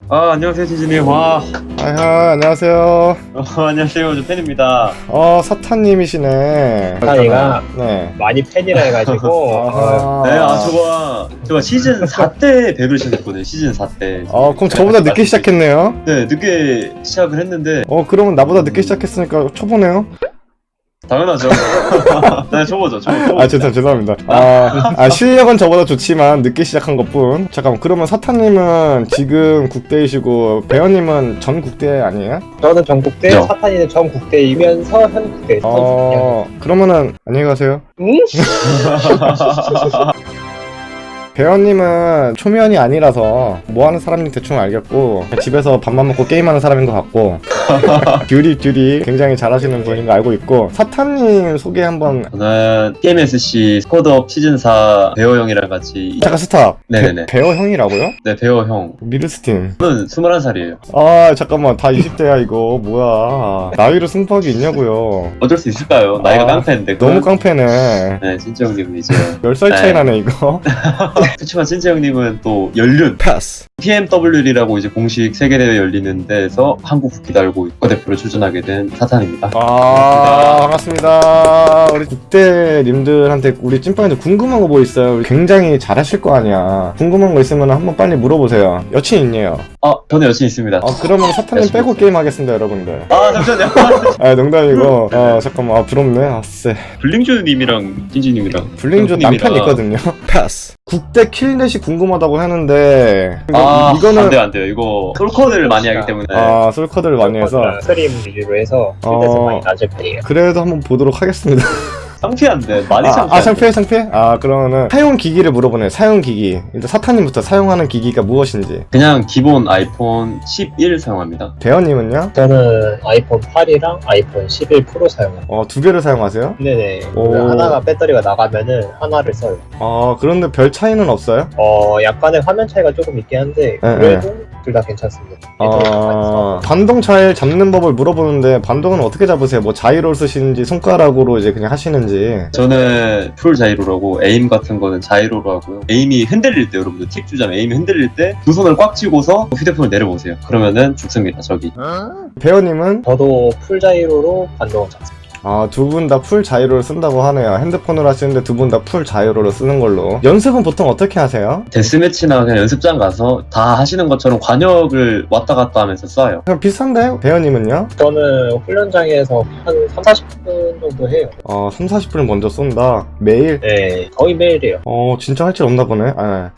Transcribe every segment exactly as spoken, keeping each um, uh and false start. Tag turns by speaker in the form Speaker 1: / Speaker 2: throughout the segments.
Speaker 1: 아, 안녕하세요, 진진님. 와.
Speaker 2: 아하, 안녕하세요.
Speaker 1: 어, 안녕하세요. 저 팬입니다.
Speaker 2: 어, 사탄님이시네.
Speaker 3: 사탄이가
Speaker 2: 네.
Speaker 3: 많이 팬이라 해가지고
Speaker 2: 아하.
Speaker 1: 네, 아, 저가, 저가 시즌 사 때 백을 시작했거든요. 시즌 사 때.
Speaker 2: 어, 그럼 저보다 늦게 시작했네요.
Speaker 1: 네, 늦게 시작을 했는데,
Speaker 2: 어, 그러면 나보다 늦게 시작했으니까 초보네요.
Speaker 1: 당연하죠. 네, 초보죠, 초보. 초보.
Speaker 2: 아, 죄송, 죄송합니다. 아, 아, 실력은 저보다 좋지만 늦게 시작한 것 뿐. 잠깐만, 그러면 사탄님은 지금 국대이시고, 배현님은 전 국대 아니에요?
Speaker 3: 저는 전국대,
Speaker 1: 그죠.
Speaker 3: 사탄이는 전국대이면서 현국대 선수입니다.
Speaker 2: 어, 그러면은, 안녕히 가세요.
Speaker 3: 응?
Speaker 2: 배현님은 초면이 아니라서 뭐하는 사람인지 대충 알겠고 집에서 밥만 먹고 게임하는 사람인 것 같고 듀리 듀리 굉장히 잘하시는 분인 거 알고 있고 사탄님 소개 한번.
Speaker 1: 저는 티엠에스씨 스쿼드업 시즌 사 배어 형이랑 같이.
Speaker 2: 잠깐 스탑.
Speaker 1: 네네네.
Speaker 2: 배, 배어 형이라고요?
Speaker 1: 네, 배어 형.
Speaker 2: 미르스팀.
Speaker 1: 저는 스물한 살이에요.
Speaker 2: 아 잠깐만 다 이십 대야 이거 뭐야 나이로 승부하기 있냐고요.
Speaker 1: 어쩔 수 있을까요? 나이가
Speaker 2: 아,
Speaker 1: 깡패인데.
Speaker 2: 너무
Speaker 1: 그건-
Speaker 2: 깡패네.
Speaker 1: 네, 진짜 형님은 이제.
Speaker 2: 열 살 차이 나네 이거.
Speaker 1: 그렇지만 진짜 형님은 또 연륜.
Speaker 2: 패스.
Speaker 1: 티엠더블유라고 이제 공식 세계대회 열리는 데에서 한국 국기 달고 국가대표로 출전하게 된 사탄입니다.
Speaker 2: 아 반갑습니다. 우리 국대님들한테 우리 찐빵이들 궁금한 거 뭐 있어요? 굉장히 잘하실 거 아니야. 궁금한 거 있으면 한번 빨리 물어보세요. 여친 있네요.
Speaker 1: 아, 저는 여친 있습니다.
Speaker 2: 아 그러면 사탄님 빼고 게임 하겠습니다 여러분들.
Speaker 1: 아, 잠시만요.
Speaker 2: 아 농담이고. 아 잠깐만 아 부럽네. 아쎄.
Speaker 1: 블링주님이랑 찐진님이랑
Speaker 2: 블링주 남편 있거든요. 패스. 국대 킬넷이 궁금하다고 하는데
Speaker 1: 아,
Speaker 2: 이거는
Speaker 1: 안 돼요, 안 돼요. 이거 솔커를 많이 하기 때문에.
Speaker 2: 아 솔커들 많이 해서
Speaker 3: 스트림 위주로 해서
Speaker 2: 어.
Speaker 3: 필드에서 많이 낮을 편이에요.
Speaker 2: 그래도 한번 보도록 하겠습니다.
Speaker 1: 상피한데 많이
Speaker 2: 아,
Speaker 1: 상피.
Speaker 2: 아 상피해 상피해? 아 그러면은 사용 기기를 물어보네. 사용 기기. 일단 사탄님부터 사용하는 기기가 무엇인지.
Speaker 1: 그냥 기본 아이폰 십일 사용합니다.
Speaker 2: 대현님은요?
Speaker 3: 저는 아이폰 팔이랑 아이폰 십일 프로 사용합니다.
Speaker 2: 어 두 개를 사용하세요?
Speaker 3: 네네.
Speaker 2: 오.
Speaker 3: 하나가 배터리가 나가면은 하나를 써요.
Speaker 2: 아 그런데 별 차이는 없어요?
Speaker 3: 어, 약간의 화면 차이가 조금 있긴 한데
Speaker 2: 네,
Speaker 3: 그래도 둘 다 괜찮습니다. 배터리가 많이
Speaker 2: 아
Speaker 3: 써서.
Speaker 2: 반동 잘 잡는 법을 물어보는데 반동은 어떻게 잡으세요? 뭐 자이로 쓰시는지 손가락으로 이제 그냥 하시는지.
Speaker 1: 저는 풀 자이로라고 에임 같은 거는 자이로로 하고요. 에임이 흔들릴 때 여러분들 팁 주자면 에임이 흔들릴 때 두 손을 꽉 쥐고서 휴대폰을 내려보세요. 그러면은 죽습니다. 저기.
Speaker 2: 배현님은?
Speaker 3: 저도 풀자이로로 반동을 잡습니다.
Speaker 2: 아 두 분 다 풀 자이로를 쓴다고 하네요. 핸드폰으로 하시는데 두 분 다 풀 자이로를 쓰는 걸로. 연습은 보통 어떻게 하세요?
Speaker 1: 데스매치나 그냥 연습장 가서 다 하시는 것처럼 관역을 왔다 갔다 하면서 쏴요.
Speaker 2: 그냥 비슷한데? 배현님은요?
Speaker 3: 저는 훈련장에서 한 삼, 사십 분 정도 해요.
Speaker 2: 어 삼, 사십 분을 먼저 쏜다. 매일?
Speaker 3: 네, 거의 매일 해요.
Speaker 2: 어 진짜 할 줄 없나 보네. 아,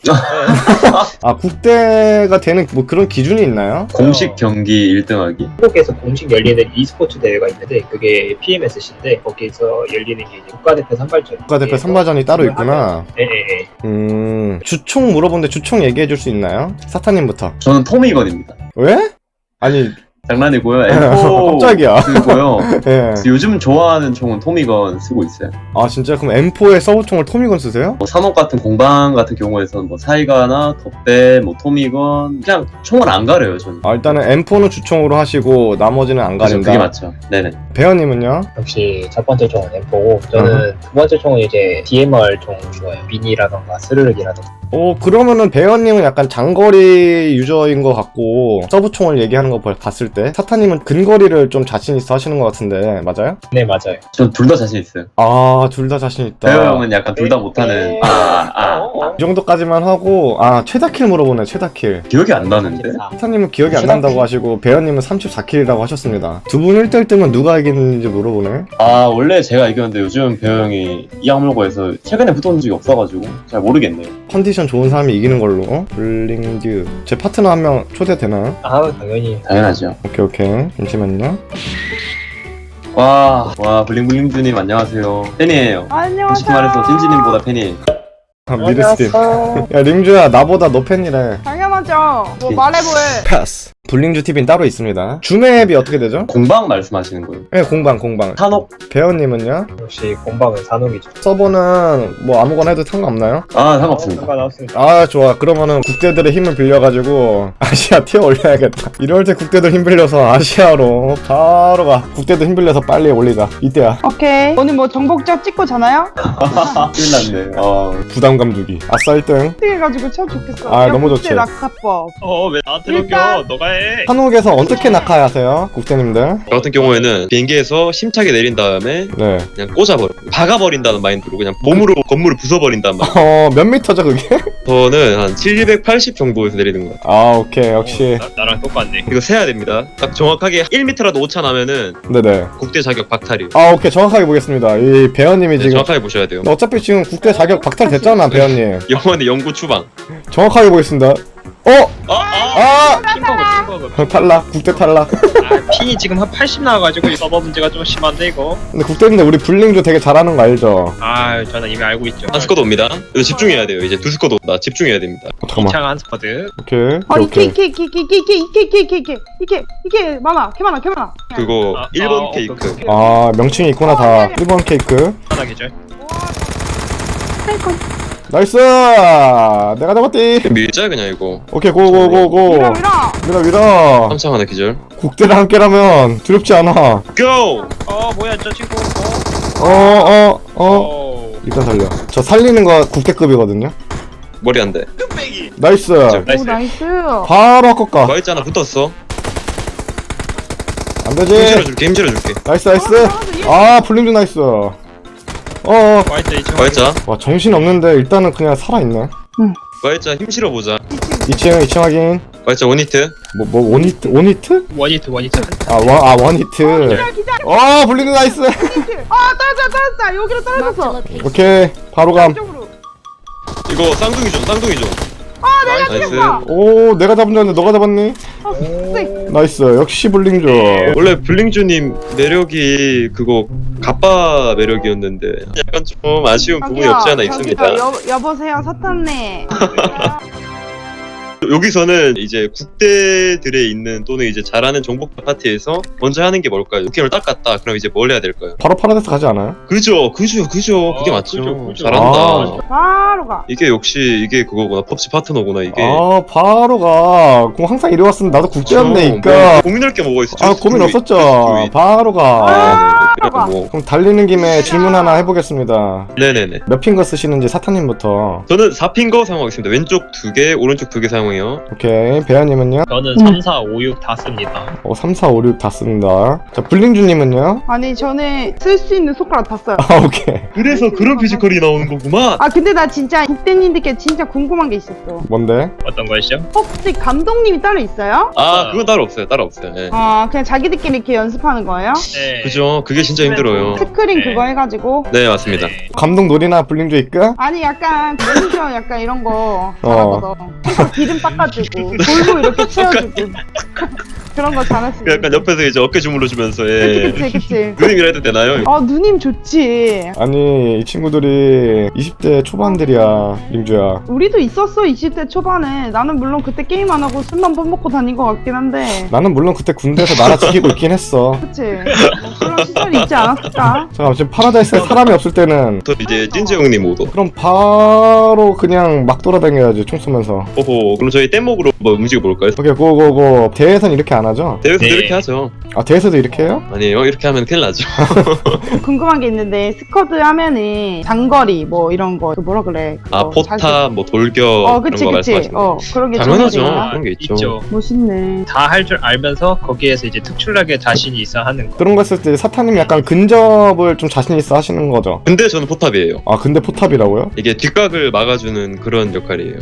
Speaker 2: 아 국대가 되는 뭐 그런 기준이 있나요?
Speaker 1: 공식 경기 일 등 하기.
Speaker 3: 한국에서 공식 열리는 e스포츠 대회가 있는데 그게 피엠에스씨인데 거기서 열리는 게 이제 국가대표 선발전.
Speaker 2: 국가대표 선발전이 따로 있구나.
Speaker 3: 네네네.
Speaker 2: 음 주총 물어보는데 주총 얘기해 줄 수 있나요? 사타님부터.
Speaker 1: 저는 토미건입니다.
Speaker 2: 왜? 아니
Speaker 1: 장난이고요. 엠포
Speaker 2: 깜짝이야.
Speaker 1: 쓰고요.
Speaker 2: 예.
Speaker 1: 요즘 좋아하는 총은 토미건 쓰고 있어요.
Speaker 2: 아 진짜 그럼 엠포의 서브총을 토미건 쓰세요?
Speaker 1: 뭐 산업 같은 공방 같은 경우에서는 뭐 사이가나 덧배, 뭐 토미건 그냥 총을 안 가려요 저는.
Speaker 2: 아 일단은 엠포는 주총으로 하시고 나머지는 안
Speaker 1: 그죠,
Speaker 2: 가린다.
Speaker 1: 그게 맞죠. 네네.
Speaker 2: 배현님은요?
Speaker 3: 역시 첫 번째 총은 엠포고 저는 두 번째 총은 이제 디엠알 총 좋아요. 미니라던가 스르륵이라던가.
Speaker 2: 어 그러면은 배현님은 약간 장거리 유저인 것 같고 서브총을 얘기하는 거 봤을 때 사타님은 근거리를 좀 자신 있어 하시는 것 같은데 맞아요?
Speaker 3: 네 맞아요.
Speaker 1: 전 둘 다 자신 있어요.
Speaker 2: 아 둘 다 자신 있다.
Speaker 1: 배우 형은 약간 둘 다 못하는. 아, 아, 아.
Speaker 2: 이 정도까지만 하고 아 최다킬 물어보네. 최다킬.
Speaker 1: 기억이 안 나는데.
Speaker 2: 사타님은 기억이 안 난다고 하시고 배현님은 삼십사 킬이라고 하셨습니다. 두 분 일 대 일 뜨면 누가 이기는지 물어보네.
Speaker 1: 아 원래 제가 이겼는데 요즘 배우 형이 이 악물고에서 최근에 붙어본 적이 없어가지고 잘 모르겠네요.
Speaker 2: 컨디션 좋은 사람이 이기는 걸로. 블링듀 제 파트너 한 명 초대되나요?
Speaker 3: 아 당연히.
Speaker 1: 당연하죠.
Speaker 2: 오케이 오케이 잠시만요.
Speaker 1: 와, 와 블링블링주님 안녕하세요. 팬이에요.
Speaker 4: 안녕하세요.
Speaker 1: 솔직히 말해서 찐지님보다 팬이에요.
Speaker 2: 아, 미르스팀.
Speaker 3: 안녕하세요.
Speaker 2: 야 링주야 나보다 너 팬이래.
Speaker 4: 당연하죠. 뭐 말해보해.
Speaker 2: 패스. 블링주 티비는 따로 있습니다. 주맵이 어떻게 되죠?
Speaker 1: 공방 말씀하시는 거예요?
Speaker 2: 네, 공방 공방.
Speaker 1: 산옥?
Speaker 2: 배현님은요?
Speaker 3: 역시 공방은 산옥이죠.
Speaker 2: 서버는 뭐 아무거나 해도 상관없나요?
Speaker 1: 아 상관없습니다.
Speaker 3: 상관없습니다.
Speaker 2: 아 좋아. 그러면은 국대들의 힘을 빌려가지고 아시아 티어 올려야겠다. 이럴 때 국대들 힘 빌려서 아시아로 바로 가. 국대들 힘 빌려서 빨리 올리자. 이때야.
Speaker 4: 오케이. 오늘 뭐 정복자 찍고 자나요?
Speaker 1: 큰일 났네. 어.
Speaker 2: 부담감 주기. 아싸 일 등.
Speaker 4: 해가지고 참 좋겠어.
Speaker 2: 아,
Speaker 4: 야,
Speaker 2: 너무
Speaker 4: 국제
Speaker 2: 좋지.
Speaker 4: 낙하법.
Speaker 5: 어 왜 나한테 넘겨?
Speaker 4: 일단-
Speaker 5: 너가 해.
Speaker 2: 한옥에서 어떻게 낙하하세요? 국대님들?
Speaker 6: 저 같은 경우에는 비행기에서 심차게 내린 다음에
Speaker 2: 네.
Speaker 6: 그냥 꽂아버려 박아버린다는 마인드로 그냥 봄으로 건물을 부숴버린다는 마인드.
Speaker 2: 어, 몇 미터죠 그게?
Speaker 6: 저는 한 칠백팔십 정도에서 내리는 것 같아요.
Speaker 2: 아 오케이 역시.
Speaker 5: 나, 나랑 똑같네.
Speaker 6: 이거 세야 됩니다. 딱 정확하게 일 미터라도 오차 나면은
Speaker 2: 네네.
Speaker 6: 국대 자격 박탈이에요.
Speaker 2: 아 오케이 정확하게 보겠습니다. 이 배현님이
Speaker 6: 네,
Speaker 2: 지금
Speaker 6: 정확하게 보셔야 돼요.
Speaker 2: 어차피 지금 국대 자격 박탈 됐잖아 배현님.
Speaker 6: 영원의 영구 추방.
Speaker 2: 정확하게 보겠습니다. 어?
Speaker 6: 아, 아!
Speaker 2: 아!
Speaker 5: 킹버그 킹버그.
Speaker 2: 탈락. 국대 탈락.
Speaker 5: 아 핑이 지금 한 팔십 나와가지고 이 서버 문제가 좀 심한데 이거.
Speaker 2: 근데 국대인데 우리 블링도 되게 잘하는 거 알죠?
Speaker 5: 아 저는 이미 알고 있죠.
Speaker 6: 한 스쿼드 옵니다. 이거 집중해야 돼요. 이제 두 스쿼드 온다. 집중해야 됩니다.
Speaker 2: 어, 잠깐만.
Speaker 5: 이창 한 스쿼드.
Speaker 2: 오케이.
Speaker 4: 아니
Speaker 2: 오케이.
Speaker 4: 이게 이게 이게 이게 이게 이게 이게 이게 이게 이게 이게 많아. 개 많아. 개 많아.
Speaker 6: 그거
Speaker 5: 아,
Speaker 6: 일본
Speaker 5: 아,
Speaker 6: 케이크.
Speaker 5: 오케이, 오케이.
Speaker 2: 아 명칭이 있구나 다. 일 번 케이크.
Speaker 5: 하나 계절.
Speaker 2: 나이스. 내가 잡았디.
Speaker 6: 밀자 그냥 이거.
Speaker 2: 오케이 고고고고.
Speaker 4: 밀어 밀어.
Speaker 2: 밀어 밀어.
Speaker 6: 삼창 하나 기절.
Speaker 2: 국대랑 함께라면 두렵지 않아.
Speaker 6: 고!
Speaker 5: 어 뭐야 저 친구.
Speaker 2: 어 어 어.
Speaker 5: 어.
Speaker 2: 일단 살려. 저 살리는 거 국대급이거든요.
Speaker 6: 머리 안 돼.
Speaker 2: 나이스.
Speaker 6: 저-
Speaker 4: 오 나이스.
Speaker 2: 바로 아깝까.
Speaker 6: 과일자 하나 붙었어.
Speaker 2: 안
Speaker 6: 힘
Speaker 2: 되지.
Speaker 6: 실어줄게. 힘 실어줄게.
Speaker 2: 나이스 나이스. 아 블링도 나이스. 어.
Speaker 5: 화이트 이층.
Speaker 6: 과일자.
Speaker 2: 와 정신 없는데 일단은 그냥 살아있네.
Speaker 6: 과일자 힘 실어보자.
Speaker 2: 이 층 이 층 확인.
Speaker 6: 과일자 원히트.
Speaker 2: 뭐 뭐 원히트 원히트?
Speaker 5: 원히트 원히트.
Speaker 2: 아원아 원히트.
Speaker 4: 기절 기절.
Speaker 2: 어 블링도 나이스.
Speaker 4: 아 떨어져 떨어졌다. 여기로 떨어졌어.
Speaker 2: 오케이 바로 감.
Speaker 4: 이쪽으로.
Speaker 6: 이거 쌍둥이 좀 쌍둥이 좀.
Speaker 4: 아 내가
Speaker 6: 나이스.
Speaker 4: 죽였어.
Speaker 2: 오 내가 잡은 줄 알았는데 너가 잡았니?
Speaker 4: 아 쎄.
Speaker 2: 나이스 역시 블링조.
Speaker 6: 원래 블링주님 매력이 그거 갑바 매력이었는데 약간 좀 아쉬운 부분이
Speaker 4: 저기요,
Speaker 6: 없지 않아
Speaker 4: 저기요,
Speaker 6: 있습니다.
Speaker 4: 여, 여보세요 사탄네.
Speaker 6: 여기서는 이제 국대들에 있는 또는 이제 잘하는 정복자 파티에서 먼저 하는 게 뭘까요? 국회를 딱 갔다. 그럼 이제 뭘 해야 될까요?
Speaker 2: 바로 파라데스 가지 않아요?
Speaker 6: 그죠, 그죠, 그죠. 그게
Speaker 5: 어,
Speaker 6: 맞죠.
Speaker 5: 그죠, 그죠.
Speaker 6: 잘한다.
Speaker 2: 아.
Speaker 4: 바로 가.
Speaker 6: 이게 역시 이게 그거구나. 펍지 파트너구나 이게.
Speaker 2: 아 바로 가. 그럼 항상 이래 왔으면 나도 국대였네니까.
Speaker 6: 뭐 고민할 게 뭐가 있어?
Speaker 2: 아 고민 없었죠. 바로 가.
Speaker 4: 아,
Speaker 6: 그래도
Speaker 4: 가.
Speaker 6: 뭐
Speaker 2: 그럼 달리는 김에 질문 하나 해보겠습니다.
Speaker 6: 네네네.
Speaker 2: 몇 핑거 쓰시는지 사탄님부터.
Speaker 6: 저는 사 핑거 사용하겠습니다. 왼쪽 두 개, 오른쪽 두 개 사용해요.
Speaker 2: 오케이 배아님은요?
Speaker 5: 저는
Speaker 4: 음.
Speaker 5: 삼, 사, 오, 육 다 씁니다.
Speaker 2: 어 삼, 사, 오, 육 다 씁니다. 자 블링주님은요?
Speaker 4: 아니 저는 쓸 수 있는 손가락 다 써요.
Speaker 2: 아 오케이.
Speaker 6: 그래서 그런 피지컬이 나오는 거구만.
Speaker 4: 아 근데 나 진짜 국대님들께 진짜 궁금한 게 있었어.
Speaker 2: 뭔데?
Speaker 5: 어떤 거였죠?
Speaker 4: 혹시 감독님이 따로 있어요?
Speaker 6: 아, 그건 따로 없어요. 따로 없어요. 예.
Speaker 4: 아 그냥 자기들끼리 이렇게 연습하는 거예요?
Speaker 5: 네.
Speaker 6: 그죠. 그게 진짜 힘들어요.
Speaker 4: 스크린
Speaker 5: 네.
Speaker 4: 그거 해가지고.
Speaker 6: 네, 맞습니다.
Speaker 5: 네.
Speaker 2: 감독 놀이나 블링주 있까?
Speaker 4: 아니 약간 매니저 약간 이런 거 잘하거든. 항상 기름 닦아주고 돌도 이렇게 채워주고 그런 거 잘할 수
Speaker 6: 그
Speaker 4: 있어.
Speaker 6: 약간 옆에서 이제 어깨 주물러 주면서 예.
Speaker 4: 그치 그치 그치.
Speaker 6: 누님이라 해도 되나요?
Speaker 4: 아 누님 좋지.
Speaker 2: 아니 이 친구들이 이십 대 초반들이야 링주야.
Speaker 4: 우리도 있었어 이십 대 초반에. 나는 물론 그때 게임 안 하고 술만 퍼먹고 다닌 것 같긴 한데.
Speaker 2: 나는 물론 그때 군대에서 나라 지키고 있긴 했어.
Speaker 4: 그치. 뭐 그런 시절이 있지 않았을까?
Speaker 2: 잠깐만 지금 파라다이스에 사람이 없을 때는
Speaker 6: 또 이제 찐재 형님 오도.
Speaker 2: 그럼 바로 그냥 막 돌아다녀야지 총 쏘면서.
Speaker 6: 오호. 그럼 저희 뗏목으로 한번 움직여 볼까요?
Speaker 2: 오케이 고고고. 대회에선 이렇게 안 하죠?
Speaker 6: 대회에서
Speaker 5: 네.
Speaker 6: 이렇게 하죠.
Speaker 2: 아 대회에서도 이렇게 해요?
Speaker 6: 아니에요. 이렇게 하면 큰일 나죠.
Speaker 4: 궁금한 게 있는데 스쿼드 하면은 장거리 뭐 이런 거 그 뭐라 그래?
Speaker 6: 아,
Speaker 4: 그거 잘
Speaker 6: 포탑, 뭐 돌격
Speaker 4: 어
Speaker 6: 그런
Speaker 4: 그치
Speaker 6: 거
Speaker 4: 그치.
Speaker 6: 말씀하시는
Speaker 4: 어
Speaker 6: 거죠.
Speaker 4: 그런 게
Speaker 6: 당연하죠.
Speaker 4: 좋은데요?
Speaker 6: 그런 게 있죠.
Speaker 5: 있죠.
Speaker 4: 멋있네.
Speaker 5: 다 할 줄 알면서 거기에서 이제 특출나게 자신이 있어 하는 거.
Speaker 2: 그런 거 했을 때 사탄님 약간 근접을 좀 자신 있어 하시는 거죠?
Speaker 6: 근데 저는 포탑이에요.
Speaker 2: 아 근데 포탑이라고요?
Speaker 6: 이게 뒷각을 막아주는 그런 역할이에요.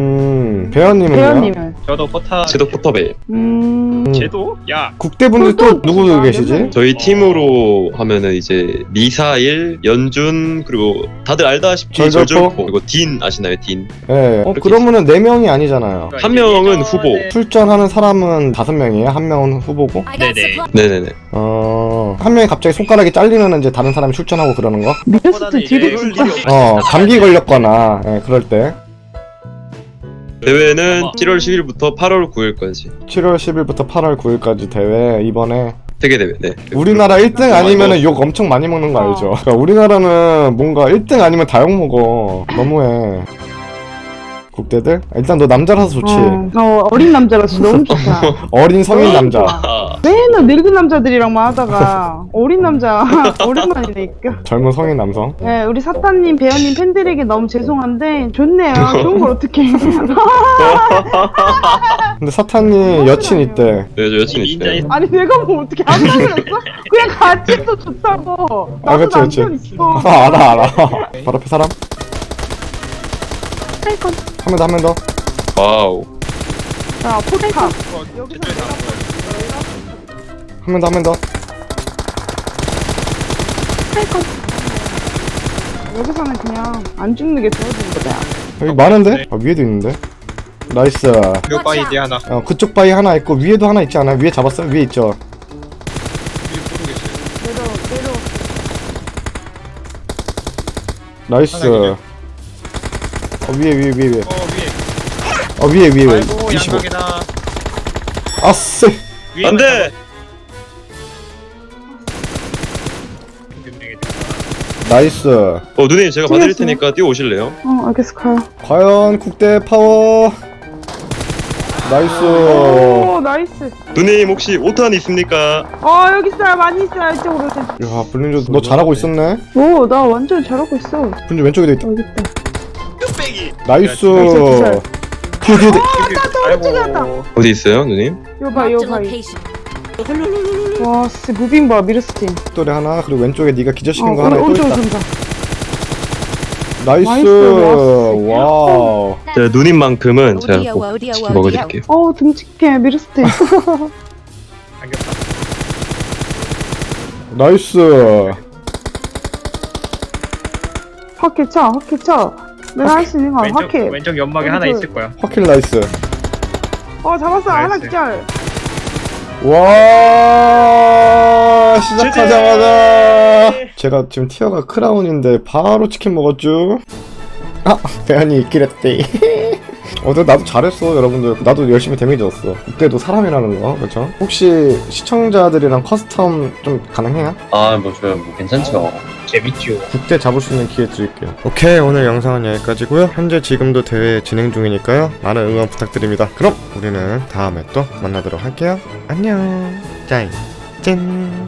Speaker 2: 음 배현님은요?
Speaker 4: 배현님은
Speaker 5: 저도 포탑.
Speaker 6: 제도 포탑이에요.
Speaker 4: 음.
Speaker 2: 음.
Speaker 5: 쟤도? 야.
Speaker 2: 국대분들 또 누구
Speaker 4: 아,
Speaker 2: 계시지?
Speaker 6: 저희 팀으로 하면은 이제 미사일, 연준 그리고 다들 알다시피
Speaker 2: 절절포?
Speaker 6: 절절포 그리고 딘 아시나요? 딘.
Speaker 2: 예. 어
Speaker 6: 그렇게
Speaker 2: 그러면은 네 명이 아니잖아요.
Speaker 6: 한 명은
Speaker 5: 예전에-
Speaker 6: 후보.
Speaker 2: 출전하는 사람은 다섯 명이에요. 한 명은 후보고.
Speaker 5: 네네.
Speaker 6: 네네네.
Speaker 2: 어. 한 명이 갑자기 손가락이 잘리면 이제 다른 사람이 출전하고 그러는 거?
Speaker 4: 미스트 딜이 진짜.
Speaker 2: 어 감기 걸렸거나 예, 그럴 때.
Speaker 6: 대회는 칠월 십일부터 팔월 구일까지
Speaker 2: 칠월 십일부터 팔월 구일까지 대회 이번에
Speaker 6: 세계 대회. 네.
Speaker 2: 우리나라 일 등 아니면은 욕 엄청 많이 먹는 거 알죠? 그러니까 우리나라는 뭔가 일 등 아니면 다 욕 먹어. 너무해. 국대들? 일단 너 남자라서 좋지.
Speaker 4: 어, 어, 어린 남자라서 너무 좋다.
Speaker 2: 어린 성인 남자.
Speaker 6: 아,
Speaker 4: 맨날 늙은 남자들이랑만 하다가 어린 남자 오랜만이니까.
Speaker 2: 젊은 성인 남성.
Speaker 4: 네, 우리 사탄님, 배현님 팬들에게 너무 죄송한데 좋네요. 좋은 걸 어떻게?
Speaker 2: 근데 사탄이 여친 있대.
Speaker 6: 네, 저 여친
Speaker 5: 인자인-
Speaker 6: 있어요.
Speaker 4: 아니 내가 뭐 어떻게 안 그랬어? 그냥 같이 해도 좋다고.
Speaker 2: 아,
Speaker 4: 나도
Speaker 2: 그치, 그치.
Speaker 4: 남편 있어.
Speaker 2: 아, 알아 알아. 바로 앞에 사람. 한 명 더 한 명 더.
Speaker 6: 와우.
Speaker 4: 자, 포카.
Speaker 5: 어,
Speaker 4: 여기서
Speaker 5: 저쪽에서 안 보여.
Speaker 2: 한 명 더 한 명 더.
Speaker 4: 여기서는 그냥 안 죽는 게 좋아지는 거다.
Speaker 2: 여기 많은데? 아, 위에도 있는데. 나이스.
Speaker 5: 요 바이디 하나.
Speaker 2: 어, 그쪽 바위 하나 있고 위에도 하나 있지 않아요? 위에 잡았어요? 위에 있죠.
Speaker 5: 위에 모르겠어요.
Speaker 4: 내려 내려.
Speaker 2: 나이스.
Speaker 5: 하나
Speaker 2: 어, 위에 위에 위에 위에.
Speaker 5: 어 위에.
Speaker 2: 어, 위에 위에 위에.
Speaker 5: 아이고
Speaker 2: 이십오.
Speaker 5: 양각이다.
Speaker 2: 아쎄.
Speaker 5: 위에
Speaker 6: 안 돼!
Speaker 2: 나이스.
Speaker 6: 어, 누님 제가 봐드릴
Speaker 4: 찍었어요?
Speaker 6: 테니까 뛰어오실래요?
Speaker 4: 어 알겠어 가요.
Speaker 2: 과연 국대 파워. 나이스.
Speaker 4: 오 나이스.
Speaker 6: 누님 혹시 오 탄 있습니까?
Speaker 4: 어 여기 있어요. 많이 있어요. 이쪽으로 오세요.
Speaker 2: 야, 블린저 너 잘하고 있었네.
Speaker 4: 오 나 완전 잘하고 있어.
Speaker 2: 블린저 왼쪽에도 있다.
Speaker 4: 여기 있다.
Speaker 2: 나이스.
Speaker 4: 나이스, 기절.
Speaker 2: 뒤에 뒤에 뒤에.
Speaker 4: 또 찍었다.
Speaker 6: 어디 있어요, 누님?
Speaker 4: 요 봐, 요
Speaker 7: Marked a
Speaker 4: 봐.
Speaker 7: location.
Speaker 4: 와, 진짜 무빙 봐, 미르스틴.
Speaker 2: 또래 하나 그리고 왼쪽에 네가 기절시킨
Speaker 4: 어,
Speaker 2: 거 하나 또
Speaker 4: 오른쪽
Speaker 2: 있다.
Speaker 4: 준다.
Speaker 2: 나이스.
Speaker 4: 나이스,
Speaker 2: 와우.
Speaker 6: 제가 누님만큼은 제가
Speaker 7: 어디야,
Speaker 6: 꼭
Speaker 7: 어디야,
Speaker 6: 치킨
Speaker 7: 어디야.
Speaker 6: 먹어드릴게요.
Speaker 4: 어, 듬직해, 미르스틴.
Speaker 2: 나이스.
Speaker 4: 확해 쳐, 확해 쳐. 내가 할 수 있는 거
Speaker 5: 왼쪽
Speaker 4: 확해.
Speaker 5: 왼쪽 연막에
Speaker 4: 여기
Speaker 5: 하나
Speaker 4: 저-
Speaker 5: 있을 거야.
Speaker 2: 확킬 나이스.
Speaker 4: 어, 잡았어. 하나
Speaker 5: 나이스.
Speaker 4: 기절.
Speaker 2: 와, 시작하자마자 제가 지금 티어가 크라운인데 바로 치킨 먹었죠. 아, 대현이 있긴 했대. 어, 근데 나도 잘했어, 여러분들. 나도 열심히 데미지 줬어. 그때도 사람이라는 거, 그렇죠? 혹시 시청자들이랑 커스텀 좀 가능해요?
Speaker 1: 아, 뭐, 저요, 뭐, 괜찮죠.
Speaker 3: 재밌죠.
Speaker 2: 국대 잡을 수 있는 기회 드릴게요. 오케이, 오늘 영상은 여기까지고요. 현재 지금도 대회 진행 중이니까요. 많은 응원 부탁드립니다. 그럼 우리는 다음에 또 만나도록 할게요. 안녕. 짜이 짠.